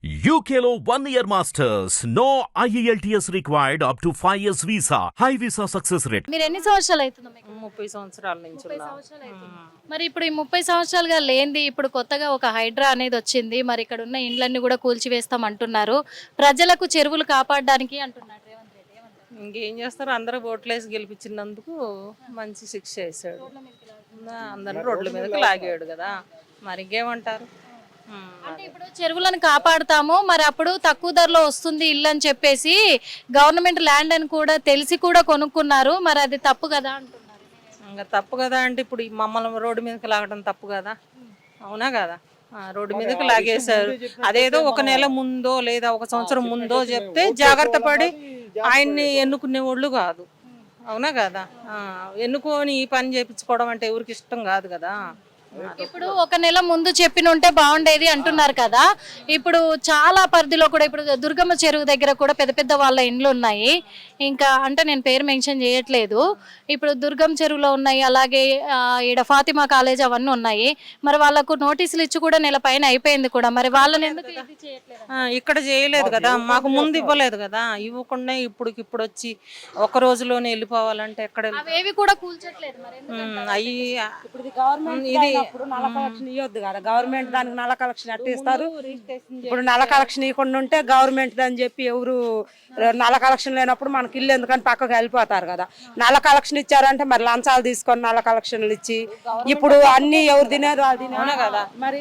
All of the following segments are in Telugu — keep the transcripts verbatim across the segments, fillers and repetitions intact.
U K లో one year masters. No I E L T S required up to five years visa. High visa success rate. మీరు ఎన్ని సంవత్సరాలు అవుతుంది మీకు? ముప్పై సంవత్సరాల నుంచి ముప్పై ఉన్నా. సంవత్సరాలు అవుతుంది. మరి ఇప్పుడు ఈ ముప్పై సంవత్సరాలుగా లేనిది ఇప్పుడు కొత్తగా ఒక హైడ్రా అనేది వచ్చింది. మరి ఇక్కడ ఉన్న ఇండ్లన్నీ కూడా కూల్చివేస్తాం అంటున్నారు. ప్రజలకు చెరువులు కాపాడడానికి అంటున్నారు రేవంత్ రెడ్డి. ఏమంటారు? ఇంకేం చేస్తారు, అందరూ ఓట్లేసి గెలిపించినందుకు మంచి శిక్ష వేసాడు. అందరిని రోడ్ల మీదకి లాగాడు కదా, మరి ఇంకేమంటారు. ఉమ్, అంటే ఇప్పుడు చెరువులను కాపాడుతాము, మరి అప్పుడు తక్కువ ధరలో వస్తుంది ఇల్లు అని చెప్పేసి గవర్నమెంట్ ల్యాండ్ అని కూడా తెలిసి కూడా కొనుక్కున్నారు. మరి అది తప్పు కదా అంటున్నారు. ఇంకా తప్పు కదా అంటే ఇప్పుడు ఈ మమ్మల్ని రోడ్డు మీదకి లాగడం తప్పు కదా, అవునా కదా. ఆ, రోడ్డు మీదకి లాగేశారు. అదేదో ఒక నెల ముందో లేదా ఒక సంవత్సరం ముందో చెప్తే జాగ్రత్త పడి ఆయన్ని ఎన్నుకునే వాళ్ళు కాదు, అవునా కదా. ఆ, ఎన్నుకొని ఈ పని చేయించుకోవడం అంటే ఎవరికి ఇష్టం కాదు కదా. ఇప్పుడు ఒక నెల ముందు చెప్పిన ఉంటే బాగుండేది అంటున్నారు కదా. ఇప్పుడు చాలా పరిధిలో కూడా ఇప్పుడు దుర్గమ్మ చెరువు దగ్గర కూడా పెద్ద పెద్ద వాళ్ళ ఇండ్లు ఉన్నాయి. ఇంకా అంటే నేను పేరు మెన్షన్ చేయట్లేదు. ఇప్పుడు దుర్గం చెరువులో ఉన్నాయి, అలాగే ఆ, ఈడ ఫాతిమా కాలేజ్ అవన్నీ ఉన్నాయి. మరి వాళ్ళకు నోటీసులు ఇచ్చి కూడా నెల పైన అయిపోయింది కూడా, మరి వాళ్ళని ఎందుకు ఇది చేయట్లేదు? ఆ, ఇక్కడ చేయలేదు కదా, మాకు ముందు ఇవ్వలేదు కదా. ఇవ్వకుండా ఇప్పుడు ఇప్పుడు వచ్చి ఒక రోజులోనే వెళ్ళిపోవాలంటే ఎక్కడ వెళ్తాం? అవేవి కూడా కూల్చట్లేదు మరి ఎందుకు? ఉమ్, అయ్యి ఇప్పుడు ఇది గవర్నమెంట్ ఇది ఇప్పుడు నల్ల కలెక్షన్ ఇవ్వద్దు కదా, గవర్నమెంట్ దానికి నల్ల కలెక్షన్ ఎట్ట ఇస్తారు. ఇప్పుడు నల్ల కలెక్షన్ ఇవ్వకుండా ఉంటే గవర్నమెంట్ అని చెప్పి ఎవరు నల్ల కలెక్షన్ లేనప్పుడు మనకి ఇల్లు ఎందుకని పక్కకు వెళ్ళిపోతారు కదా. నల్ల కలెక్షన్ ఇచ్చారంటే మరి లంచాలు తీసుకొని నల్ల కలెక్షన్లు ఇచ్చి ఇప్పుడు అన్ని ఎవరు తినేది వాళ్ళు తినే కదా. మరి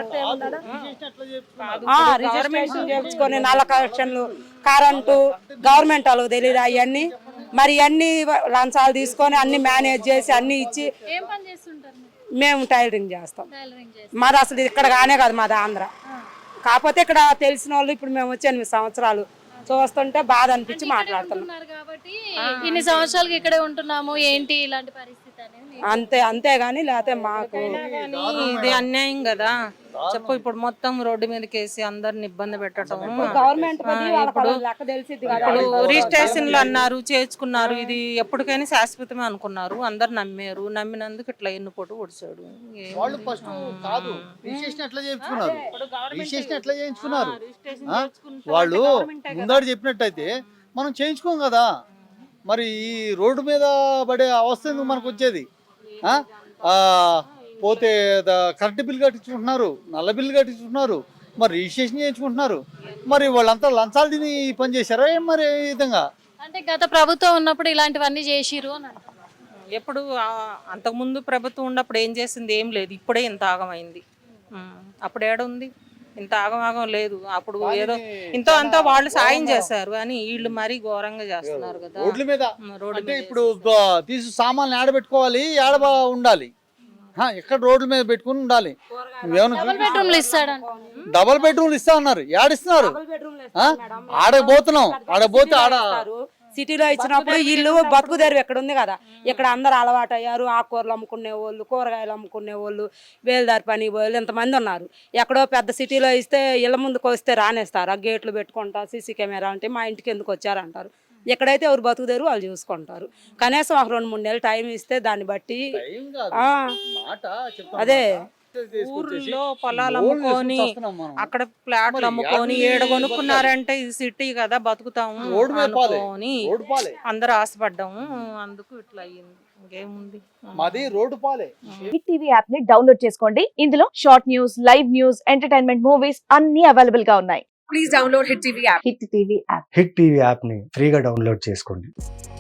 రిజిస్ట్రేషన్ చేయించుకొని నల్ల కలెక్షన్లు కరెంటు గవర్నమెంట్ వాళ్ళకి తెలియదు అవన్నీ. మరి అన్ని లంచాలు తీసుకొని అన్ని మేనేజ్ చేసి అన్ని ఇచ్చి ఏం పని చేస్తుంటారు మీరు? మేము టైలరింగ్ చేస్తాం. టైలరింగ్ చేస్తారు. మాది అసలు ఇక్కడ కానే కాదు, మాది ఆంధ్ర. కాకపోతే ఇక్కడ తెలిసిన వాళ్ళు ఇప్పుడు మేము వచ్చి ఎనిమిది సంవత్సరాలు చూస్తుంటే బాధ అనిపించి మాట్లాడుతున్నాం. ఉంటున్నారు కాబట్టి ఇన్ని సంవత్సరాలకి ఇక్కడే ఉంటున్నాము, ఏంటి ఇలాంటి పరిస్థితి అనేది అంతే అంతే గాని లేకపోతే మాకు కానీ ఇది అన్యాయం కదా. చెప్పు, ఇప్పుడు మొత్తం రోడ్డు మీదకి వేసి అందరిని ఇబ్బంది పెట్టడం. గవర్నమెంట్ ఇప్పుడు లెక్క తెలిసింది కదా. ఇప్పుడు రిజిస్ట్రేషన్లు అన్నారు, చేర్చుకున్నారు, ఇది ఎప్పటికైనా శాశ్వతమే అనుకున్నారు. అందరు నమ్మారు, నమ్మినందుకు ఇట్లా ఎన్నుపోటు పొడిచాడు. వాళ్ళు ఫస్ట్ కాదు రిజిస్ట్రేషన్ ఎట్లా చేయించుకున్నారు, రిజిస్ట్రేషన్ ఎట్లా చేయించుకున్నారు ఆ? వాళ్ళు ముందాడు చెప్పినట్టయితే మనం చేయించుకోం కదా. మరి ఈ రోడ్డు మీద పడే అవస్థ ఎందుకు మనకు వచ్చేది? ఆ? ఆ, పోతే కరెంట్ బిల్ కట్టించుకుంటున్నారు, నల్ల బిల్లు కట్టించుకుంటున్నారు, మరి రిజిస్ట్రేషన్ చేయించుకుంటున్నారు. మరి వాళ్ళంతా లంచాలు తిని ఈ పని చేశారా ఏం మరి ఈ విధంగా? అంటే గత ప్రభుత్వం ఉన్నప్పుడు ఇలాంటివన్నీ చేసిరు అని అంటున్నారు. ఎప్పుడు ఆ, అంతకుముందు ప్రభుత్వం ఉన్నప్పుడు ఏం చేసింది ఏం లేదు. ఇప్పుడే ఇంత ఆగమైంది. ఉమ్, అప్పుడు ఏడుంది? ఇంత ఆగమాగం లేదు. అప్పుడు ఏదో ఇంతో అంతా వాళ్ళు సాయం చేశారు, కానీ వీళ్ళు మరీ ఘోరంగా చేస్తున్నారు కదా. రోడ్ల మీద ఉమ్, రోడ్డు అంటే మీద ఇప్పుడు గ- తీసి సామాన్లు ఆడబెట్టుకోవాలి, ఆడ బా- ఉండాలి. ఆ, ఎక్కడ రోడ్ల మీద పెట్టుకుని ఉండాలి. నువ్వేమన్నా డబుల్ బెడ్రూమ్లు ఇస్తాడంట. డబల్ బెడ్రూమ్లు ఇస్తా అన్నారు, ఏడిస్తున్నారు. ఆడపోతున్నాం, ఆడపోతే ఆడ సిటీలో ఇచ్చినప్పుడు ఇల్లు బతుకు తెరువు ఎక్కడ ఉంది కదా. ఇక్కడ అందరు అలవాటు అయ్యారు. ఆకుకూరలు అమ్ముకునే వాళ్ళు, కూరగాయలు అమ్ముకునే వాళ్ళు, వేలుదారి పని వాళ్ళు ఎంతమంది ఉన్నారు. ఎక్కడో పెద్ద సిటీలో ఇస్తే ఇళ్ళ ముందుకు వస్తే రానేస్తారు, ఆ గేట్లు పెట్టుకుంటా సీసీ కెమెరా అంటే మా ఇంటికి ఎందుకు వచ్చారంటారు. ఎక్కడైతే ఎవరు బతుకు తెరువు వాళ్ళు చూసుకుంటారు. కనీసం ఒక రెండు మూడు నెలలు టైం ఇస్తే దాన్ని బట్టి టైం కాదు, ఆ, మాట చెప్తాను. అదే ఊర్లో పొలాలు అమ్ముకొని అక్కడ ప్లాట్లు అమ్ముకొని ఏడ కొనుక్కున్నారంటే ఇది సిటీ కదా, బతుకుతాము రోడ్డు మీద పాలే, అనుకోని రోడ్డు పాలే. అందరు ఆశపడ్డాము, అందుకు ఇట్లా అయ్యింది. ఇంకేముంది. మాది రోడ్డు పాలే. హిట్ టీవీ యాప్ ని డౌన్లోడ్ చేసుకోండి. ఇందులో short news, live news, entertainment movies అన్ని అవైలబుల్ గా ఉన్నాయి. Please download hit TV app. Hit TV app. Hit TV యాప్ని ఫ్రీగా డౌన్లోడ్ చేసుకోండి.